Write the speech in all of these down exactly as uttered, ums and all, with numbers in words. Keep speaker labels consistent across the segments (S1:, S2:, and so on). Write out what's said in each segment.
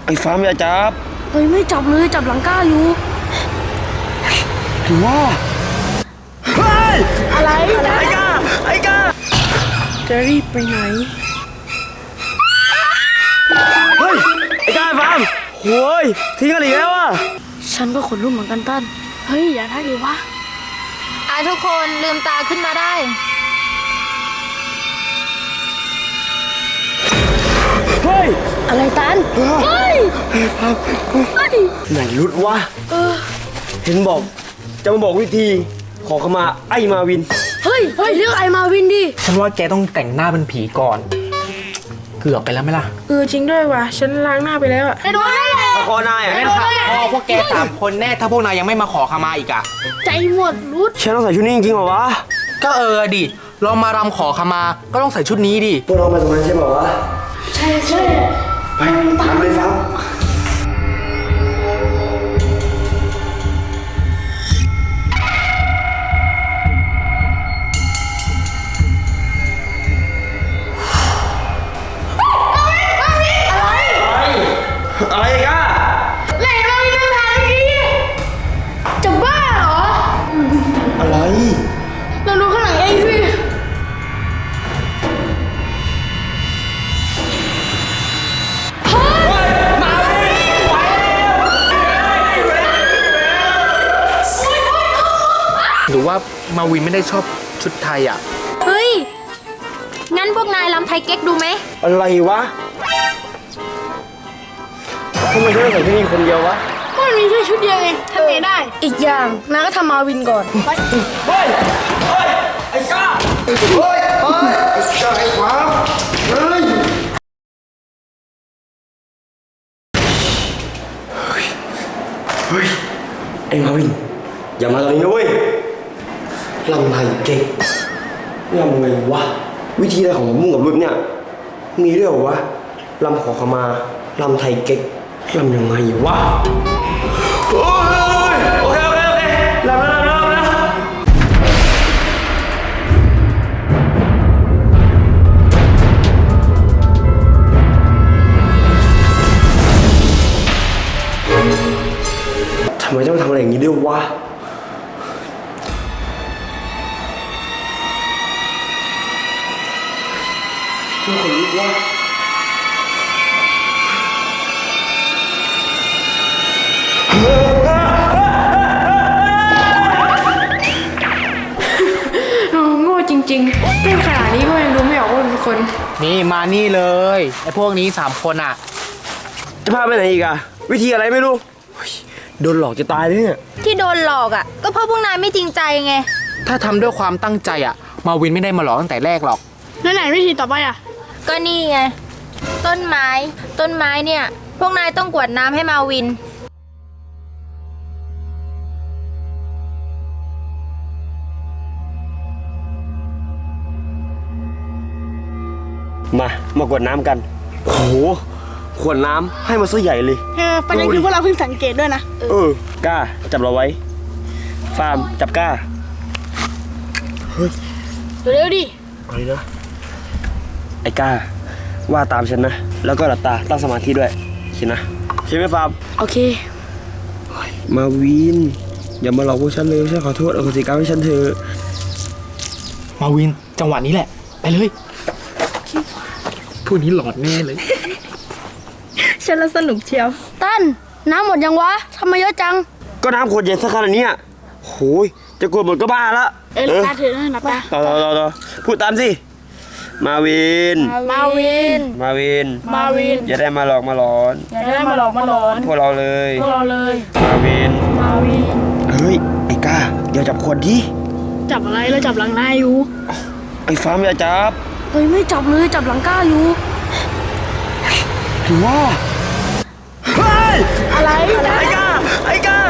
S1: อ้ฟาร์มอย่าจับ
S2: เฮ้ยไม่จับเลยจับหลังก้าอยู่
S1: ถือว่าเฮ้ย
S2: อะไรอะไร
S1: ไอ้ก้าไอ้ก้า
S2: จะรีบไปไหน
S1: เฮ้ยไอ้ก้าฟาร์มโว้ยทิ้งกันอีกแล้วอ่ะ
S2: ฉันก็ขนลุกเหมือนกันตั้นเฮ้ยอย่าได้เลยวะ
S3: อ่ะทุกคนลืมตาขึ้นมาได้
S1: เฮ้ย
S2: อะไรตันเฮ้ย
S1: ไหนรุดวะเห็นบอกจะมาบอกวิธีขอขมาไอ้มาวิน
S2: เฮ้ยเฮ้ยเรียกไอ้มาวินดิ
S4: ฉันว่าแกต้องแต่งหน้าเป็นผีก่อนเกือบไปแล้วไหมล่ะ
S2: เออจริงด้วยว่ะฉันล้างหน้าไปแล้วอะไอ้โดน
S1: ตะคอนายอ่ะ
S4: ไม่ค่ะพอพวกแกสามคนแน่ถ้าพวกนายยังไม่มาขอขมาอีกอะ
S2: ใจหมดรุด
S1: ฉันต้องใส่ชุดนี้จริงๆเหรอวะ
S4: ก็เออดิลองมารำขอขมาก็ต้องใส่ชุดนี้ดิ
S1: พวกเรามาตรงนั้นใช่ป่าวะ
S2: ใช่ใช่
S1: ไปตามเลยครับอะไรกัน
S2: ไหนมาวินทางเมื่อกี้จะบ้าเหรอ
S1: อะไร
S2: เราดูข้างหลังเองสิ
S4: หรือว่ามาวินไม่ได้ชอบชุดไทยอ่ะ
S3: เฮ้ยงั้นพวกนายรำไทยเก๊กดูไหม
S1: อะไรวะทำไมฉันต้องใส่ชุดนี้คนเดียววะ
S2: ก็มันมีแค่ชุดเดียวเองทำไงได้อีกอย่างนายก็ทำมาวินก่อน
S1: เฮ้ยเฮ้ยไอ้ก้าเฮ้ยเฮ้ยไอ้ก้าไอ้ขวาเฮ้ยเฮ้ยไอ้มาวินอย่ามาตอนนี้นะเว้ยลำไทยเก่งลำไงวะวิธีอะไรของมุ่งกับรุ่นเนี่ยมีด้วยเหรอวะลำขอขมาลำไทยเก๊กลำยังไงวะโอ้ยโอเคโอเคโอเคลำแล้วลำแล้วลำแล้วทำไมต้องทำอะไรอย่างนี้ด้วยวะทุกคนรู้ว่า
S2: โง่จริงๆเล่นขนาดนี้ก็ยังดูไม่ออกว่าเป็นคน
S4: นี่มานี่เลยไอ้พวกนี้สามคนอ่ะ
S1: จะพาไปไหนอีกอะวิธีอะไรไม่รู้โดนหลอกจะตายเลยเนี่ย
S3: ที่โดนหลอกอ่ะก็เพราะพวกนายไม่จริงใจไง
S4: ถ้าทำด้วยความตั้งใจอ่ะมาวินไม่ได้มาหลอกตั้งแต่แรกหรอก
S2: แล้วไหนวิธีต่อไปอ่ะ
S3: ก็นี่ไงต้นไม้ต้นไม้เนี่ยพวกนายต้องกวดน้ำให้มาวิน
S1: มามากวดน้ำกันโอ้โหขวดน้ำให้มาซะใหญ่เลย
S2: เออประเด็นคือพวกเราเพิ่งสังเกตด้วยนะ
S1: เออกล้าจับเราไว้ฟาร์มจับกล้าเฮ้ย
S2: เร็วดิ
S1: อะไรนะไอ้กล้าว่าตามฉันนะแล้วก็หลับตาตั้งสมาธิด้วยคิดนะใช่ไหมฟาร์ม
S2: โอเค
S1: มาวินอย่ามาหลอกพวกฉันเลยฉันขอโทษอโหสิกรรมให้ฉันเถอะ
S4: มาวินจังหวะนี้แหละไปเลยพวกนี้หลอดแน่เลย
S2: ฉันละสนุกเชียวตั้นน้ำหมดยังวะทำไมเยอะจัง
S1: ก็น้ำขวดเย็นสักขนาดนี้โอ้ยจะกลัวหมดก็บ้าละ
S2: เออตาเถอะนะนับตา
S1: ต่อต่อต่อต่อพูดตามสิมาวิน
S2: มาวิน
S1: มาวิน
S2: มาวิน
S1: อย่าได้มาหลอกมาหลอน
S2: อย่าได้มาหลอกมาหลอน
S1: พวกเราเลย
S2: พวกเราเลย
S1: มาวิน
S2: มาวิน
S1: เฮ้ยไอ้ก้าอย่าจับขวดดิ
S2: จับอะไรแล้วจับหลังนายอยู่
S1: ไอ้ฟาร์มอย่าจับ
S2: เฮ้ยไม่จับเลยจับหลังก้าอยู่
S1: ถือว่าเฮ้ย
S2: อะไร
S1: ไอ้ก้าไอ้ก้า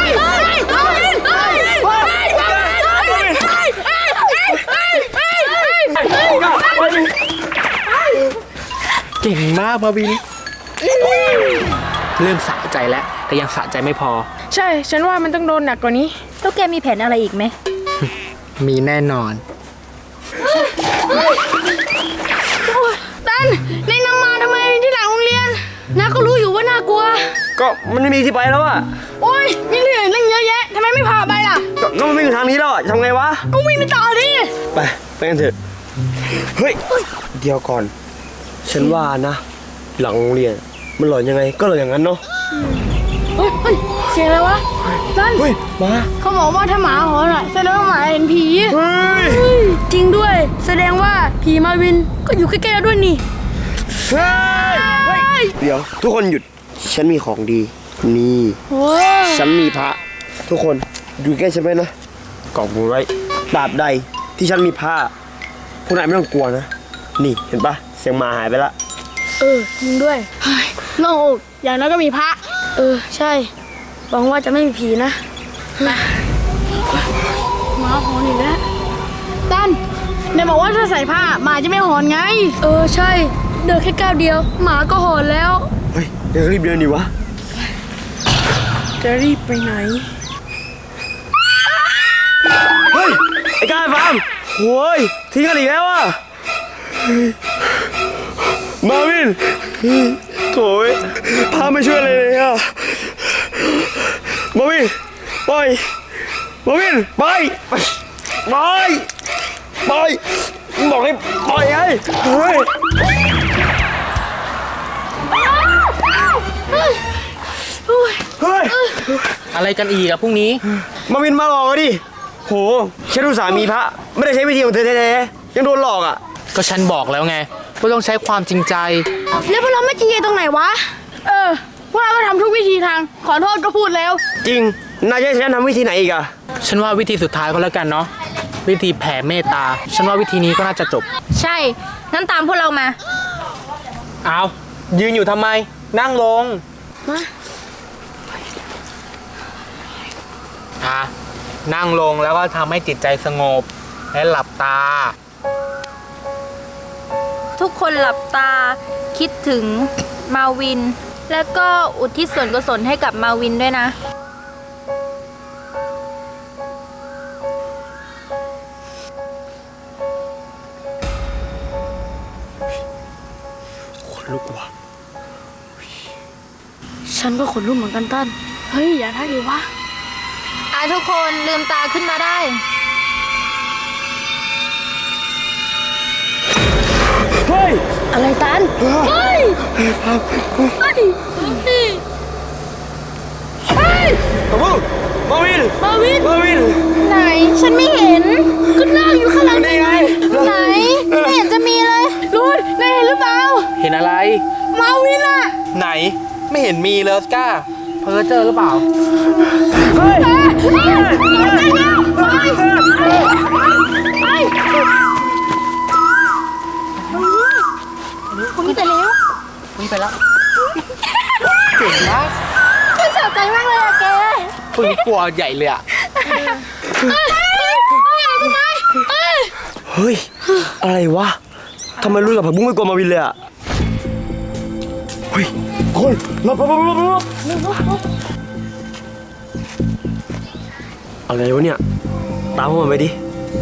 S4: เก่งมากมาวินเริ่มสะใจแล้วแต่ยังสะใจไม่พอ
S2: ใช่ฉันว่ามันต้องโดนหนักกว่านี้
S3: แล้วแกมีแผนอะไรอีกไหม
S4: มีแน่นอน
S2: ตันในน้ำมาทำไมที่หลังโรงเรียนน้าก็รู้อยู่ว่าน่ากลัว
S1: ก็มันไม่มีที่ไปแล้วอะ
S2: โอ๊ยมีเรื่องตั้งเยอะแยะทำไมไม่พาไปล่ะ
S1: ก็ก็มันไม่มีทางนี้แล้วอะทำไงวะ
S2: ก็วิ่งไปต่อดิ
S1: ไปไปกันเถอะเฮ้ยเดี๋ยวก่อน ฉันว่านะ หลังโรงเรียนมันหลอนยังไงก็หลอนอย่างนั้นเนาะ
S2: เฮ้ยเฮ้ยเสียงอะไรวะตั้น
S1: เฮ้ยมา
S2: เขาบอกว่าถ้าหมาหอนอ่ะแสดงว่าหมาเห็นผี
S1: เฮ้ย
S2: เฮ้ยจริงด้วย แสดงว่าผีมาวินก็อยู่ใกล้ๆเราด้วยนี่
S1: เฮ้ยเฮ้ยเดี๋ยวทุกคนหยุดฉันมีของดีนี่
S2: โอ้ย
S1: ฉันมีพระทุกคนอยู่ใกล้ฉันไหมนะกอบมือไว้ตราบใดที่ฉันมีผ้าพวกนายไม่ต้องกลัวนะนี่เห็นปะเสียงหมาหายไปละ
S2: เออจริงด้วยเฮ้ยโล่งอกอย่างนั้นก็มีพระ เออใช่หวังว่าจะไม่มีผีนะมาหมาหอนอีกแล้วตั้นไหนบอกว่าถ้าใส่ผ้าหมาจะไม่หอนไง เออใช่เดินแค่ก้าวเดียว หมาก็หอนแล้ว
S1: เฮ้ยเดี๋ยวรีบเดินดิวะ
S2: จะรีบไปไหน
S1: เฮ้ยไอ้กายฟาร์มโว้ยทิ้งกันอีกแล้วอ่ะมาวินโถ่ยพาไม่ช่วยอะไรเลยอ่ะมาวินไปมาวินไปไปไปไปบอกให้ปล่อยไงเฮ้ย เฮ้ย
S4: อะไรกันอีกอะพรุ่งนี้
S1: มาวินมาหลอกอะดิโหฉันรู้สามีพระไม่ได้ใช้วิธีของเธอแท้ๆยังโดนหลอกอ่ะ
S4: ก็ฉันบอกแล้วไงว่าต้องใช้ความจริงใจ
S2: แล้วพวกเราไม่จริงใจตรงไหนวะ เออ พวกเราก็ทำทุกวิธีทาง ขอโทษก็พูดแล้ว
S1: จริงนายจะให้ฉันทำวิธีไหนอีกอะ
S4: ฉันว่าวิธีสุดท้ายก็แล้วกันเนาะวิธีแผ่เมตตา ฉันว่าวิธีนี้ก็น่าจะจบ
S3: ใช่ งั้นตามพวกเรามา
S4: เอายืนอยู่ทำไม นั่งลง
S2: มา
S4: อ่ะนั่งลงแล้วก็ทำให้จิตใจสงบ และหลับตา
S3: ทุกคนหลับตาคิดถึงมาวิน แล้วก็อุทิศส่วนกุศลให้กับมาวินด้วยนะ
S1: คนลุกว่ะ
S2: ฉันก็ขนลุกเหมือนกันตั้น เฮ้ย อย่าทักดิวะ
S3: อ่ะทุกคนลืมตาขึ้นมาได้
S1: เฮ้ย
S2: อะไรตัน เฮ้ย เฮ้ย เฮ้ย เฮ้ย
S1: มามาวิน
S2: มาวิน
S1: มาวิน
S3: ไหน ฉันไม่เห็น
S2: ก็นั่งอยู่ข้างหลัง
S1: นี่ไง
S3: ไหน ไม่เห็นจะมีเลย
S2: รูนนายเห็นหรือเปล่า
S4: เห็นอะไร
S2: มาวินอะ
S4: ไหนไม่เห็นมีเลยออสก้าเพ้อเจอหรือเปล่า
S1: เฮ้ย
S3: ผมมีแต่เลี้ยว
S4: นี่ไปแล้วเก่งมาก
S3: ฉันสะใจมากเลยอะแก
S4: พึ่งกลัวใหญ่เลยอะ
S1: เฮ้ยอะไรวะทำไมรู้กับผักบุ้งไม่กลัวมาวินเลยอะเฮ้ยคนหลบหลบหลบหลบหลบอะไรวะเนี่ยตามพวกมันไปดิ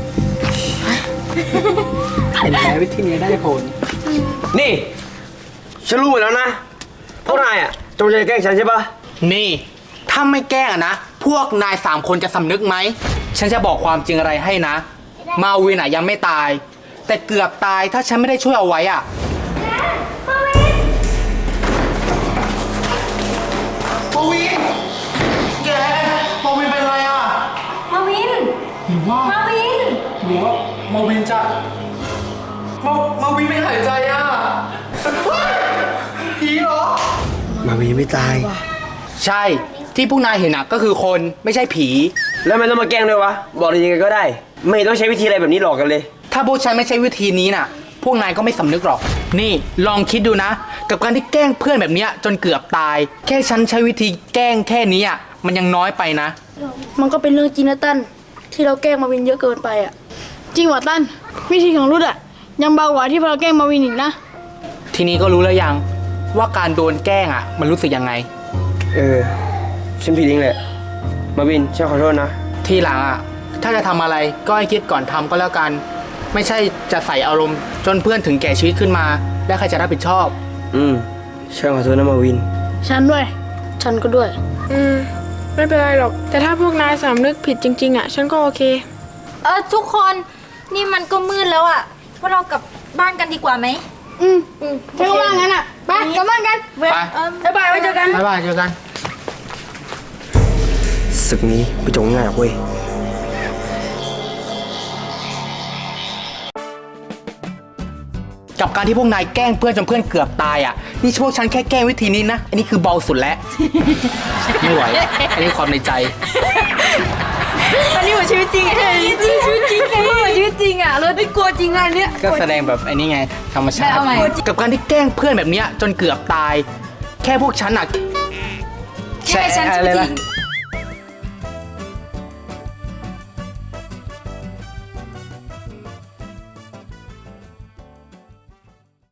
S4: เห็นไหมวิธีนี้ได้ผล
S1: นี่ฉันรู้หมดแล้วนะพวกนายอะจงใจแกล้งฉันใช่ปะ
S4: นี่ ถ้าไม่แกล้งอะนะ พวกนายสามคนจะสำนึกไหม ฉันจะบอกความจริงอะไรให้นะ มาวินอะยังไม่ตาย แต่เกือบตายถ้าฉันไม่ได้ช่วยเอาไว้อะมาวิน แกมาวินเป็นไรอะ
S3: มาวิน
S4: หรือว่า
S3: มาวิน
S4: หรือว่ามาวินจะมามาวินไม่หายใจอะผีเหรอ
S1: มาวินไม่ตาย
S4: ใช่ที่พวกนายเห็นอะก็คือคนไม่ใช่ผี
S1: แล้วมันต้องมาแกล้งด้วยวะบอกเลยยังไงก็ได้ ไม่ต้องใช้วิธีอะไรแบบนี้หลอกกันเลย
S4: ถ้าพวกฉันไม่ใช่วิธีนี้น่ะ พวกนายก็ไม่สำนึกหรอก นี่ลองคิดดูนะ กับการที่แกล้งเพื่อนแบบเนี้ยจนเกือบตาย แค่ฉันใช้วิธีแกล้งแค่นี้อ่ะมันยังน้อยไปนะ
S2: มันก็เป็นเรื่องจริงนะตั้นที่เราแกล้งมาวินเยอะเกินไปอ่ะ จริงว่ะตั้นวิธีของรุดอ่ะยังเบากว่าที่เราแกล้งมาวินอีกนะ
S4: ทีนี้ก็รู้แล้วยังว่าการโดนแกล้งอ่ะมันรู้สึกยังไง
S1: เออฉันผิดเองแหละมาวินฉันขอโทษนะ
S4: ทีหลังอ่ะถ้าจะทำอะไรก็ให้คิดก่อนทำก็แล้วกัน ไม่ใช่จะใส่อารมณ์จนเพื่อนถึงแก่ชีวิตขึ้นมา แล้วใครจะรับผิดชอบ
S1: อืมฉันขอโทษนะมาวิน
S2: ฉันด้วย ฉันก็ด้วย
S5: อืม ไม่เป็นไรหรอก แต่ถ้าพวกนายสำนึกผิดจริง ๆ อ่ะ ฉันก็โอเค
S3: เออทุกคนนี่มันก็มืดแล้วอะพวกเรากลับบ้านกันดีกว่าไหม
S2: อืมอืมฉันก็ว่างั้นอ่ะ ไปกลับบ้านกัน
S4: ไป
S3: เออ
S2: บ๊ายบายไว้เจอกัน
S4: บ๊ายบายเจอกัน
S1: ศึกนี้ไม่จบง่ายหรอกเว้ย
S4: กับการที่พวกนายแกล้งเพื่อนจนเพื่อนเกือบตายอ่ะ นี่พวกฉันแค่แกล้งวิธีนี้นะ อันนี้คือเบาสุดแล้ว ไม่ไหว อันนี้ความในใจ
S3: อันนี้เหมือนชีวิตจริงอะจริงชีวิตจริงไงเหมือนชีวิตจริงอะเราไม่กลัวจริงอะเนี่ย
S4: ก็แสดงแบบไอ้นี่ไง ธรรมชาติ
S3: เอาใหม่
S4: กับการที่แกล้งเพื่อนแบบเนี้ยจนเกือบตาย แค่พวกฉันอ่ะ
S3: แค่ฉันชีวิตจริง